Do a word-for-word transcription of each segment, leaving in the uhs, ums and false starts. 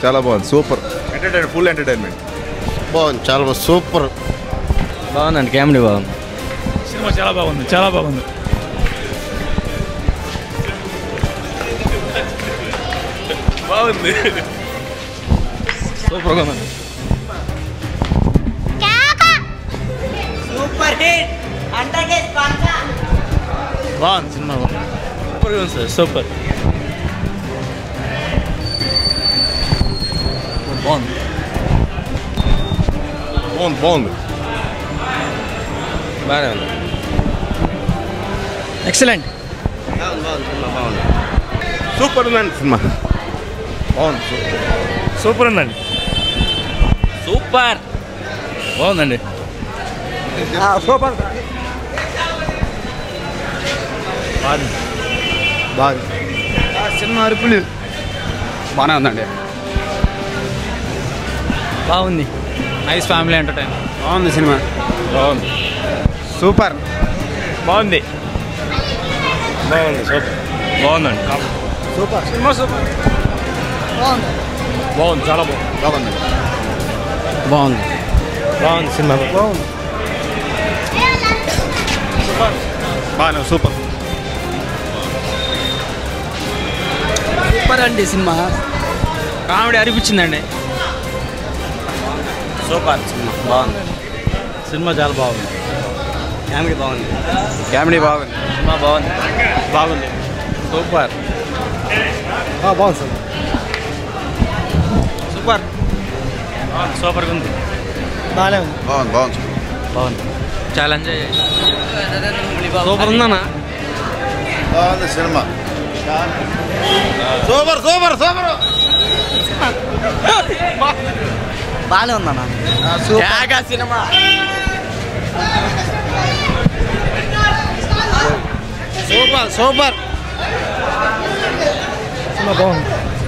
చాలా బాగుంది, super entertain, full entertainment. బాగుంది, చాలా బాగుంది, సూపర్ బాగుందండి. కామెడీ బాగుంది. సినిమా చాలా బాగుంది, చాలా బాగుంది. బాగుంది, సూపర్గా ఉంది. సూపర్ హిట్ అంతకే స్పందన. బాగుంది సినిమా, సూపర్గా ఉంది సార్, సూపర్. బాగుంది బాగుంది బాగుంది బాగానే ఉంది. ఎక్సలెంట్. సూపర్ ఉందండి సినిమా, బాగుంది, సూపర్ ఉందండి. సూపర్ బాగుందండి. సూపర్. బాగుంది బాగుంది. సినిమా అరుపులు బాగానే ఉందండి. బాగుంది, నైస్ ఫ్యామిలీ ఎంటర్టైన్. బాగుంది సినిమా, బాగుంది, సూపర్, బాగుంది బాగుంది, సూపర్, బాగుందండి. Super, cinema super. బాగుంది. బాగుంది, చాలా బాగుంది. బాగుంది, బాగుంది బాగుంది సినిమా బాగుంది. బాగానే సూపర్. సూపర్ అండి సినిమా, కామెడీ అనిపించిందండి. సూపర్ సినిమా, బాగుంది. సినిమా చాలా బాగుంది. కామెడీ బాగుంది. కామెడీ బాగుంది, సినిమా బాగుంది. బాగుంది, సూపర్. బాగుంది సార్. సూపర్ సూపర్గా ఉంది. బాగానే ఉంది. బాగుంది, బాగుంది, బాగుంది, చాలా ఎంజాయ్ చేయాలి. సూపర్ ఉందన్నా. బాగుంది సినిమా, సూపర్ సూపర్ సూపర్. బాగానే ఉందన్నా. Cinema super super. సినిమా బాగుంది.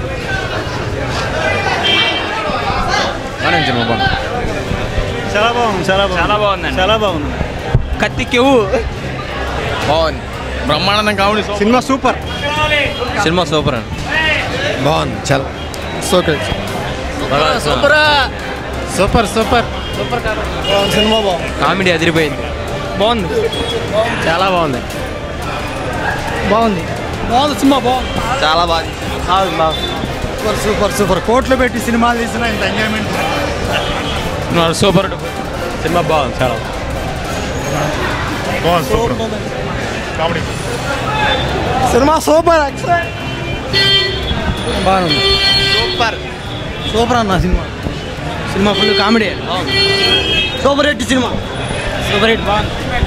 బాగానే సినిమా బాగుంది. చాలా బాగుంది, చాలా బాగుంది, చాలా బాగుందండి. చాలా బాగుంది. కత్తికెవు బాగుంది. Brahmanandam comedy. Cinema super. Cinema super అండి. బాగుంది, చాలా super super super super. Cinema బాగుంది. కామెడీ అదిరిపోయింది. బాగుంది, చాలా బాగుంది. బాగుంది, బాగుంది సినిమా బాగుంది. చాలా బాగుంది. Super super super. కోట్లు పెట్టి సినిమాలు తీసిన ఇంత ఎంజాయ్మెంట్. సూపర్ సినిమా బాగుంది, చాలా బాగుంది, సూపర్ కామెడీ. Cinema super. బాగుంది, సూపర్ సూపర్ అన్న cinema. Cinema full comedy. Super hit cinema. Super hit బాగుంది.